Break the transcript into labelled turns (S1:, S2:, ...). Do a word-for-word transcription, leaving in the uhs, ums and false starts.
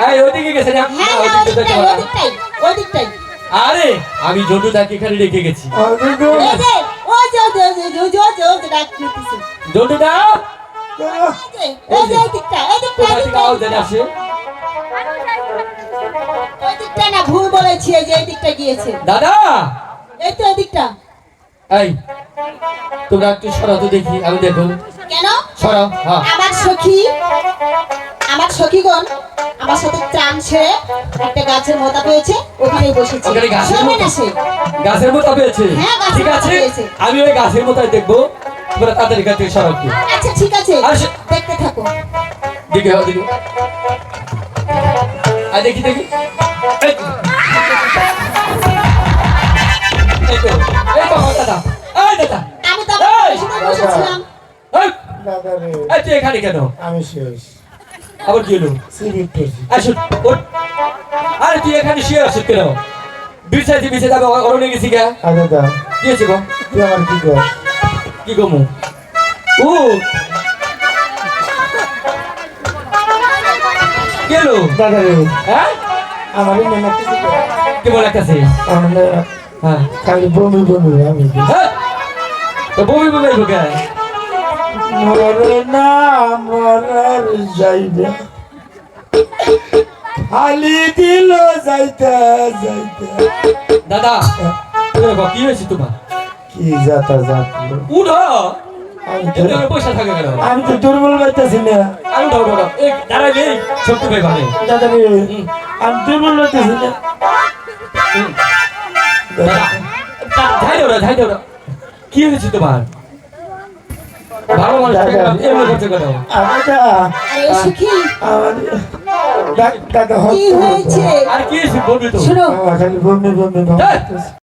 S1: এই ওদিকে গেছে না
S2: হ্যাঁ
S1: না,
S2: হ্যাঁ,
S1: ওদিকে যেতে
S2: ওদিকটাই
S1: পারে না।
S2: ওদিকটাই ওদিকটাই
S1: আরে আমি জন্টুদাকে এখানে রেখে গেছি।
S2: এই যে ওই যে ওই যে ওই যে ওই যে ওই যে ওই যে ওই যে ডাক দিতেছে
S1: জন্টুদা
S2: এই যে এই যে এই দিকটা এই দিকটা
S1: কোথা
S2: এই
S1: থেকে আওয়াজ যেন
S2: দিকটা
S1: আসে?
S2: ওই দিকটা না ভুল বলেছি এই যে এই দিকটা গিয়েছে
S1: দাদা
S2: এই তো এই দিকটা
S1: এই তোমরা একটু সরাও তো দেখি, আমি দেখো
S2: কেন
S1: সরাও। হ্যাঁ
S2: আমার সখী আমার সখীগণ আমার সাথে চান ছেড়ে একটা গাছের মোতা পেয়েছে ওখানেই বসেছে
S1: ওখানে গাছের
S2: শোনে
S1: মোতা?
S2: না সে
S1: গাছের মতো পেয়েছে?
S2: হ্যাঁ, গাছের
S1: ঠিক
S2: মোতা
S1: আছে
S2: পেয়েছে।
S1: আমি ওই গাছের মতোই দেখবো, তোমরা তাদের কাছে সরাও একটু।
S2: আচ্ছা ঠিক আছে
S1: আসে।
S2: দেখতে থাকো
S1: দিকে হও দিকে আর দেখি দেখি এই তো। এই তো এই তো আমার দাদা এই দাদা
S2: আমি তো
S1: এই!
S2: আমার সাথে বসেছিলাম
S1: এই
S3: দাদা রে
S1: এই তুই এখানে কেন?
S3: আমি শেষ
S1: আবার কি হলো?
S3: সিরিপ করছি
S1: আসুন ওঠ। আরে তুই এখানে শুয়ে আসুন কেন? বিছাইতে বিছাইতে আমি অরণে গেছি গা।
S3: আর দাদা
S1: কি হয়েছে গো?
S3: তুই আমার কি কর
S1: কি গমু? ও গেল
S3: দাদা রে
S1: হ্যাঁ
S3: আমার মনে কিছু
S1: কি বলে কাছে?
S3: আমার
S1: হ্যাঁ
S3: খালি বমি বমি আমি
S1: হ্যাঁ তো বমি বমি আইবো কে?
S3: মরে না মরার যাইবে খালি দিল যাইতে যাইতে
S1: দাদা তোর বাবা কি হয়েছে তোমার?
S3: কি যাতা যাত
S1: উঠো
S3: আমি তো
S1: এত পয়সা থাকে কেন?
S3: আমি তো দুর্বল পাইতেছি না
S1: আর উঠো উঠো উঠো। এই দাঁড়াই নেই শক্তি পাই ভালো।
S3: দাদা রে আমি দুর্বল পাইতেছি না
S1: দাদা ধাই দাও ধাই দাও কি হয়েছে তোমার? ভালো মানুষ এমনি করছে কেন?
S3: দাদা
S2: আরে সখী
S3: আমার দাদা
S2: কি হয়েছে
S1: আর কি হয়েছে বলবি তো?
S2: শোনো
S3: খালি বমি বমি
S1: এই!